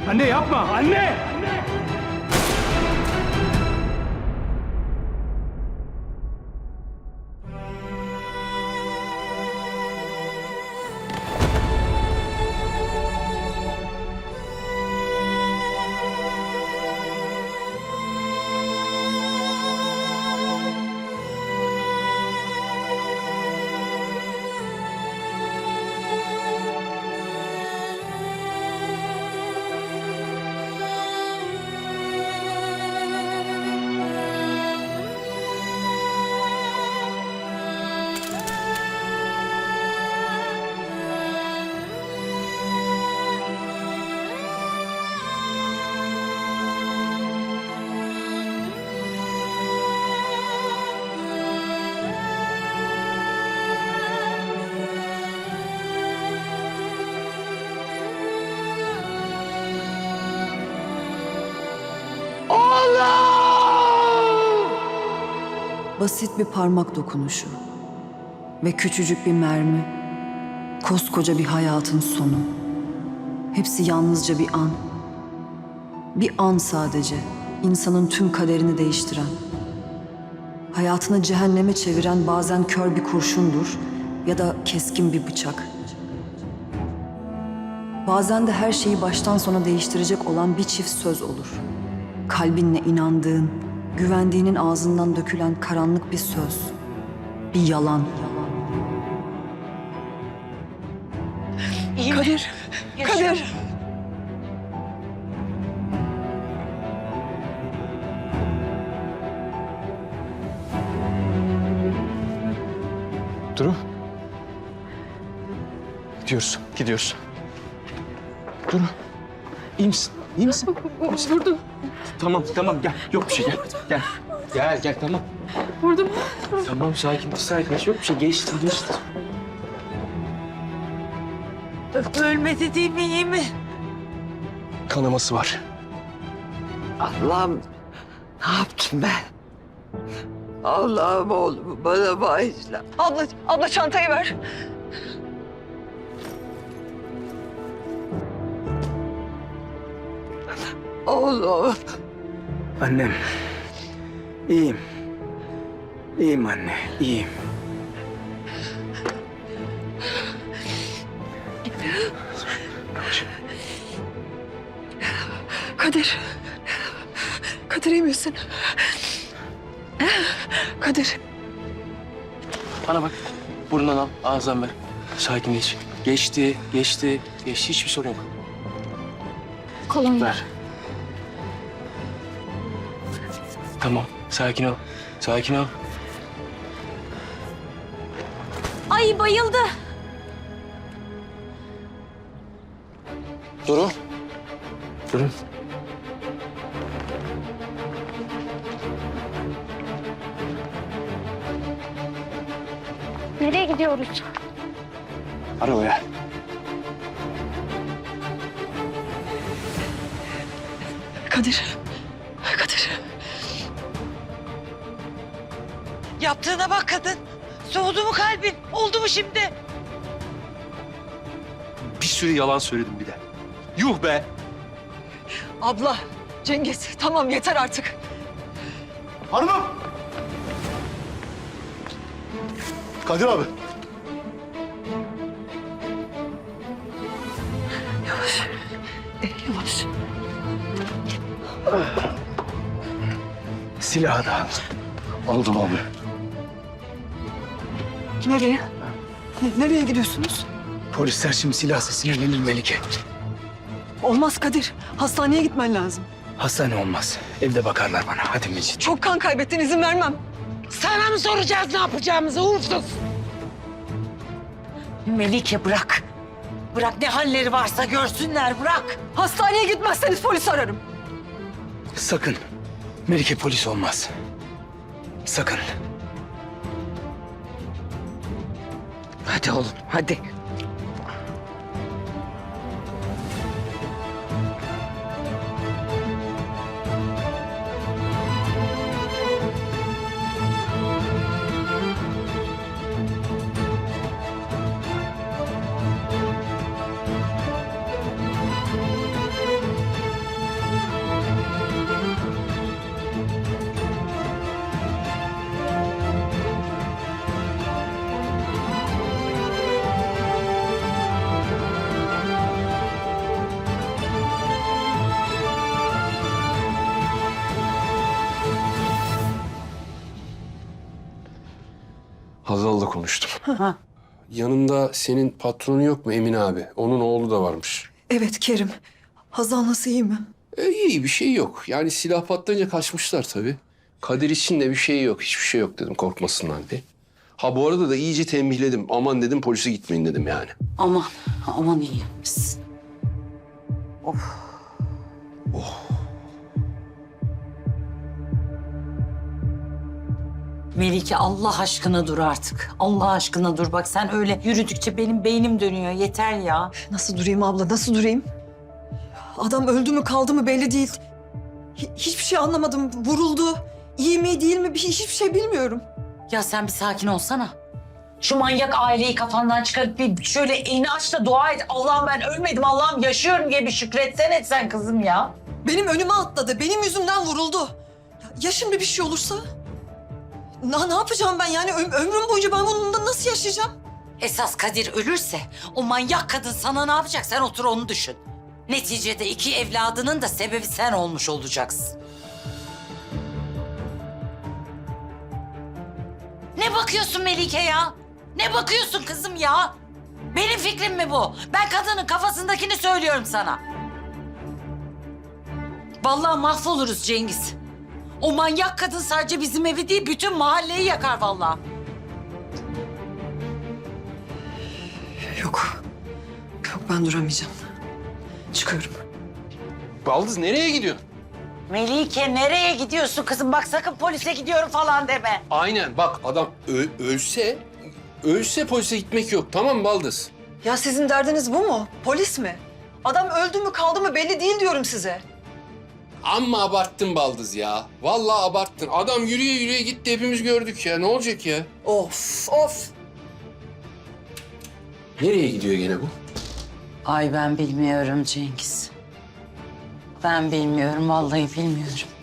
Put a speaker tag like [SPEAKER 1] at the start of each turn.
[SPEAKER 1] Anne yapma, anne!
[SPEAKER 2] Basit bir parmak dokunuşu ve küçücük bir mermi, koskoca bir hayatın sonu. Hepsi yalnızca bir an. Bir an sadece, insanın tüm kaderini değiştiren. Hayatını cehenneme çeviren bazen kör bir kurşundur ya da keskin bir bıçak. Bazen de her şeyi baştan sona değiştirecek olan bir çift söz olur. Kalbinle inandığın, güvendiğinin ağzından dökülen karanlık bir söz. Bir yalan.
[SPEAKER 3] İyi mi?
[SPEAKER 2] Kadir,
[SPEAKER 3] Yaşıyor mu?
[SPEAKER 2] Kadir.
[SPEAKER 1] Duru. Gidiyoruz. Duru. İyi misin? İyi misin?
[SPEAKER 3] Vurdum.
[SPEAKER 1] Tamam, gel. Yok bir şey, gel. Gel, tamam.
[SPEAKER 3] Vurdum.
[SPEAKER 1] Tamam, sakin. Yok bir şey, geçti.
[SPEAKER 3] Ölmedi değil mi? İyi mi?
[SPEAKER 1] Kanaması var.
[SPEAKER 4] Allah'ım ne yaptım ben? Allah'ım oğlumu bana bağışla.
[SPEAKER 2] Abla çantayı ver.
[SPEAKER 4] Oğlum.
[SPEAKER 5] Annem. İyiyim. İyiyim anne, iyiyim.
[SPEAKER 2] Kadir. Kadir iyi misin? Kadir.
[SPEAKER 6] Bana bak. Burnundan al, ağızdan ver. Sakinleş. Geçti. Hiçbir sorun yok.
[SPEAKER 3] Kolonya.
[SPEAKER 6] Ver. Tamam. Sakin ol.
[SPEAKER 3] Ay bayıldı.
[SPEAKER 6] Duru.
[SPEAKER 3] Nereye gidiyoruz?
[SPEAKER 6] Arabaya.
[SPEAKER 2] Kadir.
[SPEAKER 4] Yaptığına bak kadın. Soğudu mu kalbin? Oldu mu şimdi?
[SPEAKER 6] Bir sürü yalan söyledim bir de. Yuh be.
[SPEAKER 2] Abla, Cengiz tamam yeter artık.
[SPEAKER 1] Hanımım! Kadir abi.
[SPEAKER 2] Yavaş.
[SPEAKER 5] Silahı da al.
[SPEAKER 1] Aldım abi.
[SPEAKER 2] Nereye? Nereye gidiyorsunuz?
[SPEAKER 5] Polisler şimdi silah sesine gelir Melike.
[SPEAKER 2] Olmaz Kadir. Hastaneye gitmen lazım.
[SPEAKER 5] Hastane olmaz. Evde bakarlar bana. Hadi Mecit.
[SPEAKER 2] Çok kan kaybettin, izin vermem.
[SPEAKER 4] Sana mı soracağız ne yapacağımızı uğursuz? Melike bırak. Bırak ne halleri varsa görsünler bırak.
[SPEAKER 2] Hastaneye gitmezseniz polis ararım.
[SPEAKER 5] Sakın. Melike polis olmaz. Sakın.
[SPEAKER 4] Hadi oğlum hadi.
[SPEAKER 7] Hazal'la konuştum. Yanında senin patronu yok mu Emin abi? Onun oğlu da varmış.
[SPEAKER 2] Evet Kerim. Hazal nasıl, iyi mi?
[SPEAKER 7] İyi bir şey yok. Yani silah patlayınca kaçmışlar tabii. Kadir için de bir şey yok. Hiçbir şey yok dedim korkmasınlar diye. Ha bu arada da iyice tembihledim. Aman dedim polise gitmeyin dedim yani.
[SPEAKER 4] Aman iyi yapmışsın. Melike Allah aşkına dur artık. Allah aşkına dur. Bak sen öyle yürüdükçe benim beynim dönüyor. Yeter ya.
[SPEAKER 2] Nasıl durayım abla, nasıl durayım? Adam öldü mü kaldı mı belli değil. Hiçbir şey anlamadım. Vuruldu. İyi mi değil mi hiçbir şey bilmiyorum.
[SPEAKER 4] Ya sen bir sakin olsana. Şu manyak aileyi kafandan çıkarıp bir şöyle elini aç da dua et. Allah'ım ben ölmedim, Allah'ım yaşıyorum diye bir şükretsen etsen kızım ya.
[SPEAKER 2] Benim önüme atladı. Benim yüzümden vuruldu. Ya şimdi bir şey olursa? Ne yapacağım ben yani? Ömrüm boyunca ben bununla nasıl yaşayacağım?
[SPEAKER 4] Esas Kadir ölürse o manyak kadın sana ne yapacak? Sen otur onu düşün. Neticede 2 evladının da sebebi sen olmuş olacaksın. Ne bakıyorsun Melike ya? Ne bakıyorsun kızım ya? Benim fikrim mi bu? Ben kadının kafasındakini söylüyorum sana. Vallahi mahvoluruz Cengiz. O manyak kadın sadece bizim evi değil, bütün mahalleyi yakar vallahi.
[SPEAKER 2] Yok. Yok, ben duramayacağım. Çıkıyorum.
[SPEAKER 7] Baldız nereye gidiyorsun?
[SPEAKER 4] Melike nereye gidiyorsun kızım? Bak sakın polise gidiyorum falan deme.
[SPEAKER 7] Aynen bak adam ölse polise gitmek yok. Tamam mı Baldız?
[SPEAKER 2] Ya sizin derdiniz bu mu? Polis mi? Adam öldü mü kaldı mı belli değil diyorum size.
[SPEAKER 7] Amma abarttın Baldız ya. Vallahi abarttın. Adam yürüye yürüye gitti hepimiz gördük ya. Ne olacak ya?
[SPEAKER 2] Of of.
[SPEAKER 7] Nereye gidiyor gene bu?
[SPEAKER 4] Ay ben bilmiyorum Cengiz. Ben bilmiyorum, vallahi bilmiyorum.